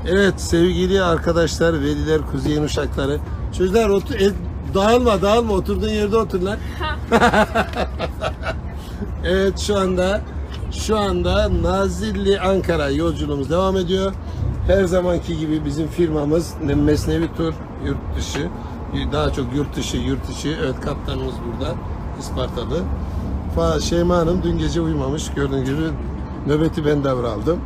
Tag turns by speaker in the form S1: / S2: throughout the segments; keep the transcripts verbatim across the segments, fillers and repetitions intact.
S1: Evet sevgili arkadaşlar, veliler, kuzeyin uşakları. Çocuklar otur, el, dağılma dağılma oturduğun yerde otur lan. Evet şu anda şu anda Nazilli Ankara yolculuğumuz devam ediyor. Her zamanki gibi bizim firmamız Mesnevi Tur yurt dışı, daha çok yurt dışı yurt dışı. Evet kaptanımız burada, İspartalı. Şeyma Hanım dün gece uyumamış, gördüğünüz gibi nöbeti ben devraldım.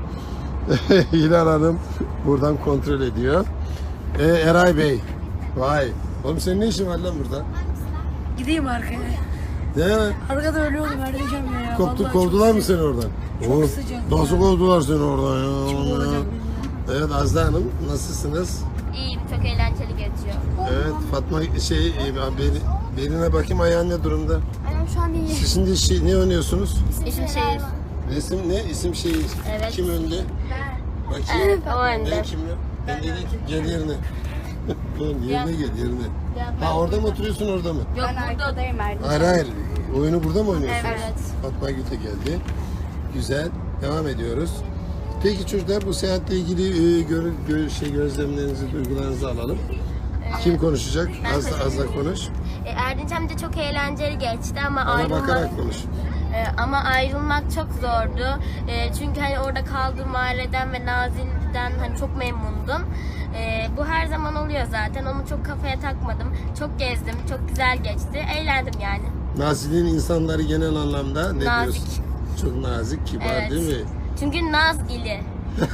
S1: Hilal Hanım buradan kontrol ediyor. Ee, Eray Bey, vay. Oğlum senin ne işin var lan burada?
S2: Gideyim arkaya.
S1: Ne?
S2: Arkada ölüyordum Erdeceğim ya.
S1: Koptu,
S2: Vallahi
S1: kovdular
S2: çok
S1: mı seni oradan?
S2: Çok
S1: Oo,
S2: sıcak
S1: nasıl
S2: ya.
S1: kovdular seni oradan ya?
S2: Kim olacak bilmiyorum.
S1: Evet Azda Hanım nasılsınız?
S3: İyiyim, çok eğlenceli geçiyor.
S1: Evet Fatma şey e, beni, beline bakayım ayağın ne durumda?
S3: Aynen şu an iyi.
S1: Siz şimdi şey, ne oynuyorsunuz?
S3: İsim şehir.
S1: Resim ne? İsim şehir.
S3: Evet.
S1: Kim önde? Bakayım.
S3: Evet, o önde.
S1: Ben kimle? Ben dedim ki gel yerine. Oğlum yerine gel yerine. Ha orada mı oturuyorsun orada mı?
S3: Yok, burada odayım Erdem.
S1: Hayır hayır. Oyunu burada mı oynuyorsunuz?
S3: Evet.
S1: Fatma Gül'e geldi. Güzel. Devam ediyoruz. Peki çocuklar bu seyahatle ilgili e, gör, gör, şey gözlemlerinizi, duygularınızı alalım. Kim konuşacak? Az da az da konuş.
S3: E, Erdinçem de çok eğlenceli geçti ama
S1: Bana
S3: ayrılmak
S1: bakarak konuş.
S3: e, ama ayrılmak çok zordu. E, çünkü hani orada kaldığım aileden ve Nazilli'den hani çok memnundum. E, bu her zaman oluyor zaten. Onu çok kafaya takmadım. Çok gezdim. Çok güzel geçti. Eğlendim yani.
S1: Nazilli'nin insanları genel anlamda ne
S3: Nazik.
S1: diyorsun? Çok nazik, kibar
S3: Evet.
S1: değil mi?
S3: Çünkü Naz ili.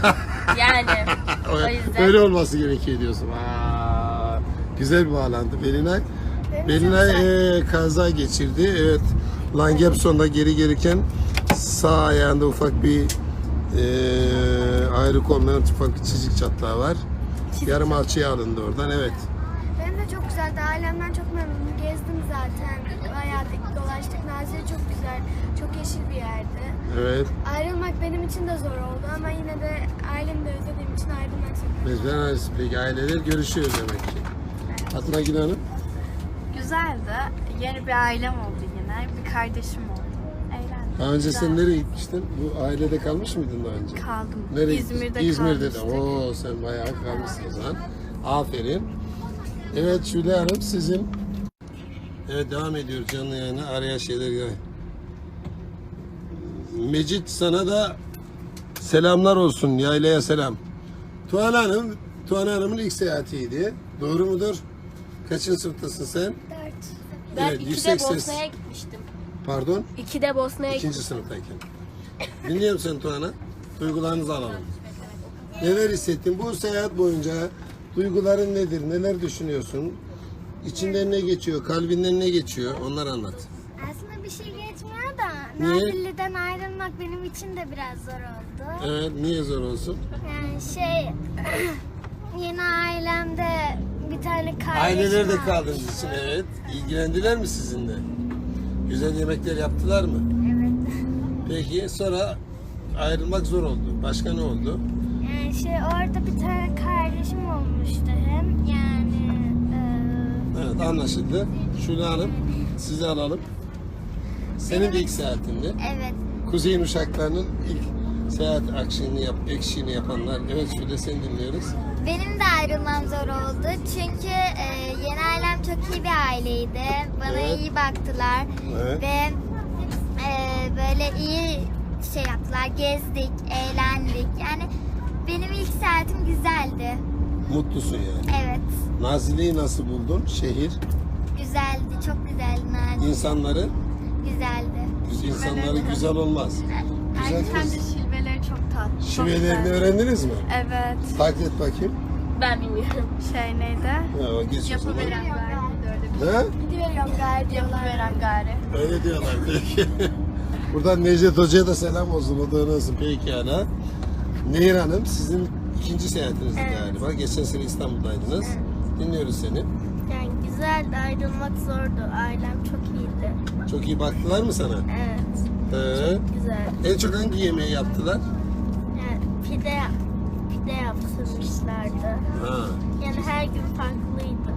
S3: Yani o yüzden.
S1: Öyle olması gerekiyor diyorsun. Aa, güzel bir bağlantı. Belinay, Belinay e, kaza geçirdi. Evet. Langebson'da geri gelirken sağ ayağında ufak bir e, ayrık olmayan ufak bir çizik çatlağı var. Yarım alçıya alındı oradan. Evet.
S4: Benim de çok güzeldi. Ailemden çok memnunum. Gezdim zaten. Bayağı da dolaştık. Nazilli çok güzel. Çok yeşil bir yerdi.
S1: Evet.
S4: Ayrılmak benim için de zor oldu ama yine de ailemi de özlediğim için ayrılmak zorundayım.
S1: Mezben peki aileler görüşüyor demek ki. Fatma Gül Hanım.
S5: Güzeldi. Yeni bir ailem oldu yine. Bir kardeşim oldu. Eğlendim.
S1: Daha önce
S5: Güzel.
S1: sen nereye gitmiştin? Bu ailede kalmış mıydın daha önce?
S5: Kaldım.
S1: Nereye
S5: İzmir'de
S1: gittin? İzmir'de de.
S5: kalmıştık.
S1: Oo sen bayağı kalmışsın o zaman. Aferin. Evet Şule Hanım sizin. Evet devam ediyoruz canlı yayına. Araya şeyler gel. Mecit sana da selamlar olsun. Yaylaya selam. Tuğan Hanım, Tuğan Hanım'ın ilk seyahatiydi. Doğru mudur? Kaçıncı sınıftasın sen?
S4: Dört.
S3: Ben
S1: Evet,
S3: ikide
S1: yüksek ses.
S3: Bosna'ya gitmiştim.
S1: Pardon?
S3: İkide Bosna'ya gitmiştim.
S1: İkinci sınıftayken. Dinliyorum seni Tuğan'a. Duygularınızı alalım. Neler hissettin? Bu seyahat boyunca duyguların nedir? Neler düşünüyorsun? İçinden ne geçiyor? Kalbinden ne geçiyor? Onları anlat.
S4: Aslında bir şey geçmiyor da
S1: Niye?
S4: Nazilli'den ayrılmak benim için de biraz zor oldu.
S1: Evet, niye zor olsun?
S4: Yani şey yeni ailemde bir tane kardeşim
S1: Ailelerde
S4: var.
S1: kaldığınız için evet. İlgilendiler mi sizinle? Güzel yemekler yaptılar mı?
S4: Evet.
S1: Peki sonra ayrılmak zor oldu. Başka ne oldu?
S4: Yani şey orada bir tane kardeşim olmuştu hem yani e,
S1: Evet anlaşıldı. Şule Hanım sizi alalım. Senin de ilk seyahatindi.
S4: evet.
S1: Kuzeyin uşaklarının ilk seyahat akşini yap, ekşiğini yapanlar. Evet Şule seni dinliyoruz.
S4: Benim de ayrılmam zor oldu çünkü e, yeni ailem çok iyi bir aileydi. Bana
S1: Evet.
S4: iyi baktılar
S1: Evet.
S4: ve e, böyle iyi şey yaptılar. Gezdik, eğlendik. Yani benim ilk saatim güzeldi.
S1: Mutlusun yani.
S4: Evet,
S1: Nazilli'yi nasıl buldun? Şehir,
S4: güzeldi, çok güzeldi Naci.
S1: insanları,
S4: Güzeldi.
S1: insanları güzel olmaz. Güzel
S5: Erdem
S1: kız.
S5: de şilveleri çok tatlı. çok
S1: Şivelerini
S5: güzel.
S1: öğrendiniz mi?
S5: Evet.
S1: Taklit et bakayım.
S3: Ben bilmiyorum.
S5: Şey neydi?
S1: Ha, o geç o zaman.
S5: Yapıveren gari. Öyle
S1: Ha?
S4: Gidiyorum gayet
S5: bir Yapıveren gari.
S1: Öyle diyorlar peki. Buradan Necdet Hoca'ya da selam olsun. O da nasıl pekala. Nehir Hanım sizin ikinci seyahatinizdi
S4: Evet.
S1: galiba. Geçen sene İstanbul'daydınız. Dinliyoruz seni.
S4: Yani güzeldi, ayrılmak zordu. Ailem çok iyiydi.
S1: Çok iyi baktılar mı sana?
S4: Evet,
S1: He.
S4: güzel.
S1: En çok hangi yemeği yaptılar?
S4: Yani pide, pide yaptırmışlardı.
S1: Ha.
S4: Yani her gün farklıydı.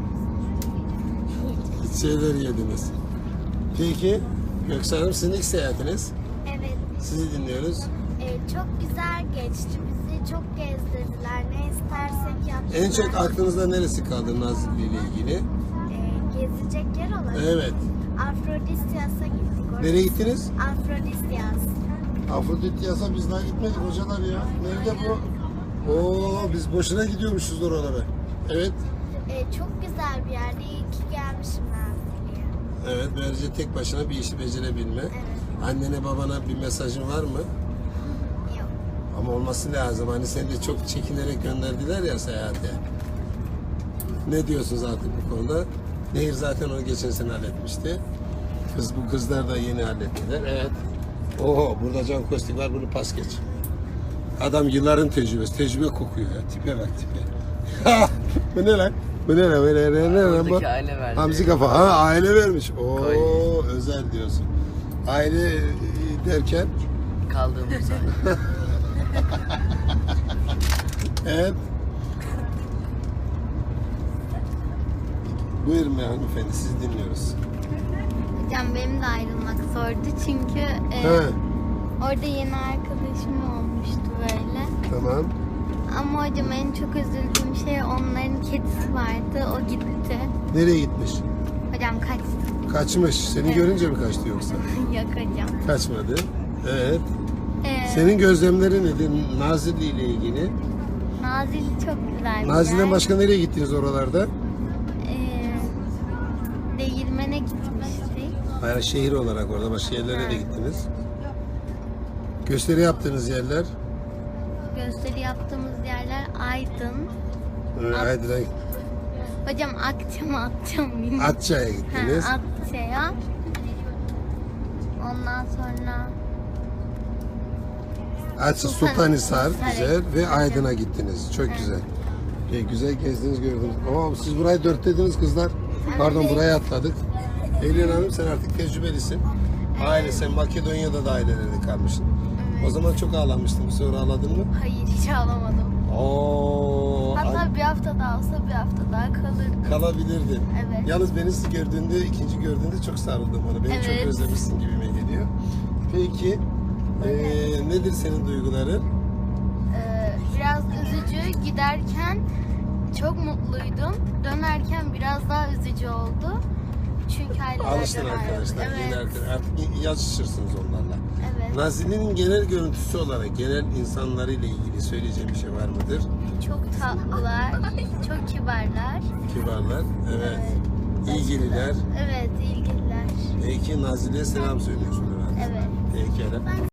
S1: Şeyler yediniz. Peki Göksel Hanım sizin ilk seyahatiniz.
S4: Evet,
S1: Sizi dinliyoruz.
S4: e, çok güzel geçti. Bizi çok gezdirdiler. Ne istersek yaptılar.
S1: En çok aklınızda neresi kaldı Nazilli ile ilgili?
S4: Ee, gezecek yer olarak.
S1: Evet.
S4: Afrodisyas'a gittik. Orası-
S1: Nereye gittiniz?
S4: Afrodisyas.
S1: Afrodityas'a biz daha gitmedik hocalar ya. Nerede bu? Oo, biz boşuna gidiyormuşuz oralara. Evet.
S4: Ee, çok güzel bir yerde. İyi ki gelmişim Nazilli'ye.
S1: Evet, böylece tek başına bir işi becerebilme.
S4: Evet.
S1: Annene babana bir mesajın var mı?
S4: Yok.
S1: Ama olması lazım. Hani seni de çok çekinerek gönderdiler ya seyahate. Ne diyorsunuz artık bu konuda? Nehir zaten onu geçen sene halletmişti. Kız bu kızlar da yeni hallettiler. Evet. Oho, burada Can Kostik var, bunu pas geç. Adam yılların tecrübesi, tecrübe kokuyor ya. Tipe bak tipe. Bu ne lan? Bu ne lan? Bu ne lan? Ne lan bu?
S6: Oradaki aile verdi.
S1: Hamzi kafa. Ha, aile vermiş. Oo,
S6: Koy.
S1: özel diyorsun. Aile e, derken
S6: Kaldığımız yer.
S1: evet. Buyurun be hanımefendi, sizi dinliyoruz.
S4: Hocam benim de ayrılmak zordu çünkü e,
S1: He,
S4: orada yeni arkadaşım olmuştu böyle.
S1: tamam.
S4: Ama hocam en çok üzüldüğüm şey onların kedisi vardı. O gitti.
S1: Nereye gitmiş?
S4: Hocam kaçtı.
S1: Kaçmış. Seni
S4: Evet.
S1: görünce mi kaçtı yoksa?
S4: Yok hocam.
S1: Kaçmadı. Evet.
S4: Ee,
S1: Senin gözlemlerin nedir Nazilli ile ilgili?
S4: Nazilli çok güzel bir
S1: Nazilli'den
S4: yer.
S1: başka nereye gittiniz oralarda?
S4: Ee, değirmene gitmiştik.
S1: Hayır, şehir olarak orada başka yerlere de gittiniz. Gösteri yaptığınız yerler?
S4: Gösteri yaptığımız yerler Aydın.
S1: Evet,
S4: At-
S1: Aydın'a,
S4: Hocam Akça mı Akça mı bilmiyorum.
S1: Atça'ya gittiniz.
S4: Ha, Akça'ya. Ondan sonra
S1: Atça,
S4: Sultan-
S1: Sultanhisar
S4: Sultanhisar'a
S1: güzel ve
S4: gittik.
S1: Aydın'a gittiniz. Çok güzel. E, güzel gezdiniz gördünüz. Oo, siz burayı dört dediniz kızlar. Pardon,
S4: Evet.
S1: buraya atladık. Eylül Hanım, sen artık tecrübelisin. Aile, sen Makedonya'da da ailelerde kalmışsın. O zaman çok ağlamıştın. Bu sefer ağladın mı?
S5: Hayır hiç ağlamadım.
S1: Oo,
S5: Hatta bir hafta daha olsa bir hafta daha kalırdım.
S1: kalabilirdin.
S5: Evet.
S1: Yalnız beni siz gördüğünde, ikinci gördüğünde çok sarıldım bana. Beni çok
S5: Evet.
S1: özlemişsin gibime geliyor. Peki, eee, nedir senin duyguların?
S5: Ee, biraz üzücü. Giderken çok mutluydum. Dönerken biraz daha üzücü oldu. Çünkü ailelerden
S1: Alıştın
S5: ayrıldık.
S1: arkadaşlar. Yeni
S5: Evet.
S1: arkadaşlar. Artık yazışırsınız onlarla.
S5: Evet.
S1: Nazilli'nin genel görüntüsü olarak, genel insanlarıyla ilgili söyleyeceğim bir şey var mıdır?
S5: Çok tatlılar, çok kibarlar.
S1: Kibarlar, evet. İlgililer.
S5: Evet, ilgililer.
S1: Peki Nazilli'ye selam söylüyorsun herhalde.
S5: Evet.
S1: Peki.